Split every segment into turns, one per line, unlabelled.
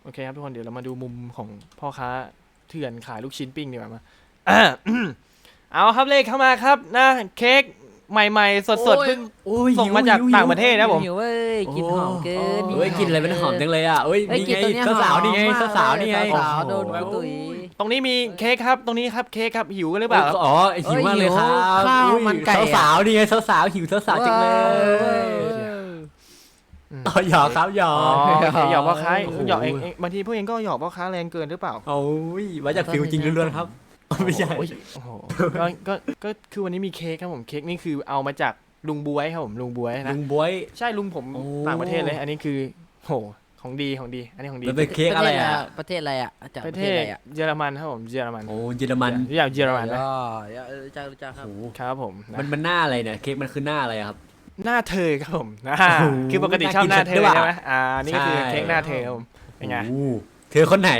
เคครับทุกคนเดี๋ยวเรามาดูมุมของพ่อค้าเถื่อนขายลูกชิ้นปิ้งดีกว่ามาเอาครับเลขเข้ามาครับนะเค้กใหม่ๆสดๆเพิ่งส่งมาจากต่างประเทศนะผม
หิวเว้ยกินหอมเกิน
เฮ้ยกินอะไรมันหอมจังเลยอ่ะเฮ้ยนี่ไงสาวนี่ไงสาวนี่ไง
สาวโดนตุ๋ย
ตรงนี้มีเค้กครับตรงนี้ครับเค้กครับหิวกันหรือเปล่าครับ
อ๋อหิวมากเลยครับสาวนี่ไงสาวหิวสาวจังเลยต่อหยอกครับหยอก
หยอกพ่อค้าหยอกเองบางทีพวกเองก็หยอกพ่อค้าแรงเกินหรือเปล่า
โอ้ยมาจากฟิลจริงล้วนๆครับไม่ใช่
โอ้โหก็คือวันนี้มีเค้กครับผมเค้กนี่คือเอามาจากลุงบวยครับผมลุงบวยนะ
ลุงบวย
ใช่ลุงผมต่างประเทศเลยอันนี้คือโหของดีอันนี้ของดี
มันเป็นเค้กอะไรอ่ะ
ประเทศอะไรอ่ะจาก
ประเทศเยอรมันครับผมเยอรมัน
โอ้เยอรมัน
อยากเยอรมันนะ
รู้จักครับ
ครับผม
มันหน้าอะไรเนี่ยเค้กมันคือหน้าอะไรครับ
หน้าเธอครับผมคือปกติชอบหน้าเธอใช่ไหมนี่ก็คือเค้กหน้าเธอครับผมเป็นไง
เธอคนไหน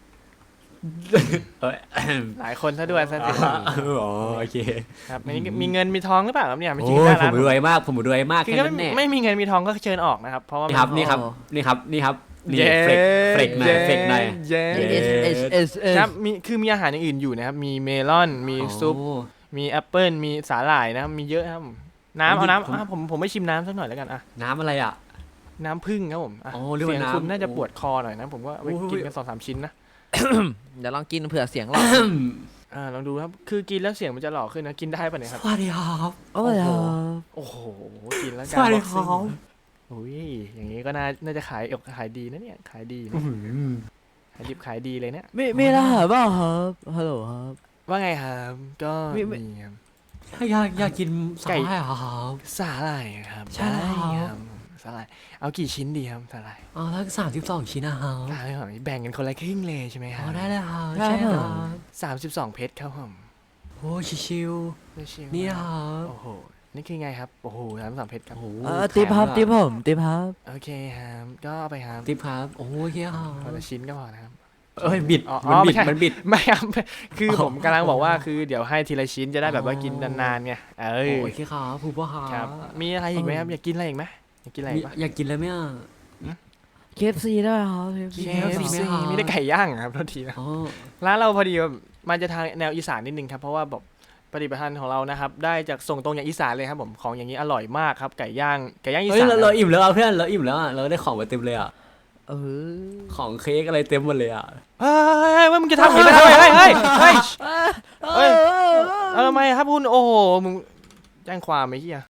หลายคนซะด้วยซะสิ
อ๋อโอเค
ครับมีเงินมีทองหรือเปล่าครับเนี่ย
ไม่จริงนะผมรวยมาก
แค่นั้นแน่ไม่มีเงินมีทองก็เชิญออกนะครับเพราะว่า
นี่ครับเฟกหน่อย
ครับมีอาหารอย่างอื่นอยู่นะครับมีเมลอนมีซุปมีแอปเปิ้ลมีสาหร่ายนะครับมีเยอะครับน้ำเอาน้ำผมไม่ชิมน้ำสักหน่อยแล้วกัน
น้ำอะไร
น้ำผึ้งครับผมเสียงคุณน่าจะปวดคอหน่อยนะผมว่าไปกินกัน2-3 ชิ้นนะ
เดี๋ยวลองกินเผื่อเสียงหล่อ
ลองดูครับคือกินแล้วเสียงมันจะหล่อขึ้นนะกินได้ป่ะเนี่ยครับ
สวัสดีครับ
โอ้โหกินแล้ว
สวัสดีครับ
โอ้ยอย่างนี้ก็น่าจะขายดีนะเนี่ยขายดีขายดิบขายดีเลยเนี่ย
ไม่ได้เปล่าครับฮัลโหลครับ
ว่าไงครับก็มีครับ
อยากกินสาหร่ายครับ
สาหร่ายครับ
ใช่
ครับสาหร่ายเอากี่ชิ้นดีครับสาหร่าย
ทั้ง32 ชิ้นนะครับ
แบ่งกันคนละครึ่งเลยใช่ไหมครับ
ได้เลยครับ
ใช่ครับ
32 เพชรครับผม
โอ้ชิวนี่ครับ
โอ้โหนี่คือไงครับโอ้โห32 เพชรครับ
ติ๊บครับติ๊บผมติ๊บครับ
โอเคครับก็เอาไปครับ
ติ๊บครับโอเคครับ
คนละชิ้นก็พอนะครับ
บิดมันบิด
ไม่ครับคือผมกำลังบอกว่าคือเดี๋ยวให้ทีละชิ้นจะได้แบบว่ากินนานๆไง
โอเคครับผู้พ่อ
ครับมีอะไรอีกไหมครับอยากกินอะไรอีกไหมอยากกินอะไร
อยากกินอะไรไหม
KFC ได้ครับ
KFC มีได้ไก่ย่างครับโทษทีนะร้านเราพอดีมันจะทางแนวอีสานนิดนึงครับเพราะว่าแบบปฏิบัติการของเรานะครับได้จากส่งตรงอย่างอีสานเลยครับผมของอย่างนี้อร่อยมากครับไก่ย่างอีสาน
เราอิ่มแล้วเพื่อนเราอิ่มแล้วเราได้ของมาเต็มเลยของเค้กอะไรเต็มหมดเลย
ว่ามึงจะทำอย่างนี้เฮ้ยทำไมครับคุณโอ้โหมึงแจ้งความไหมเฮีย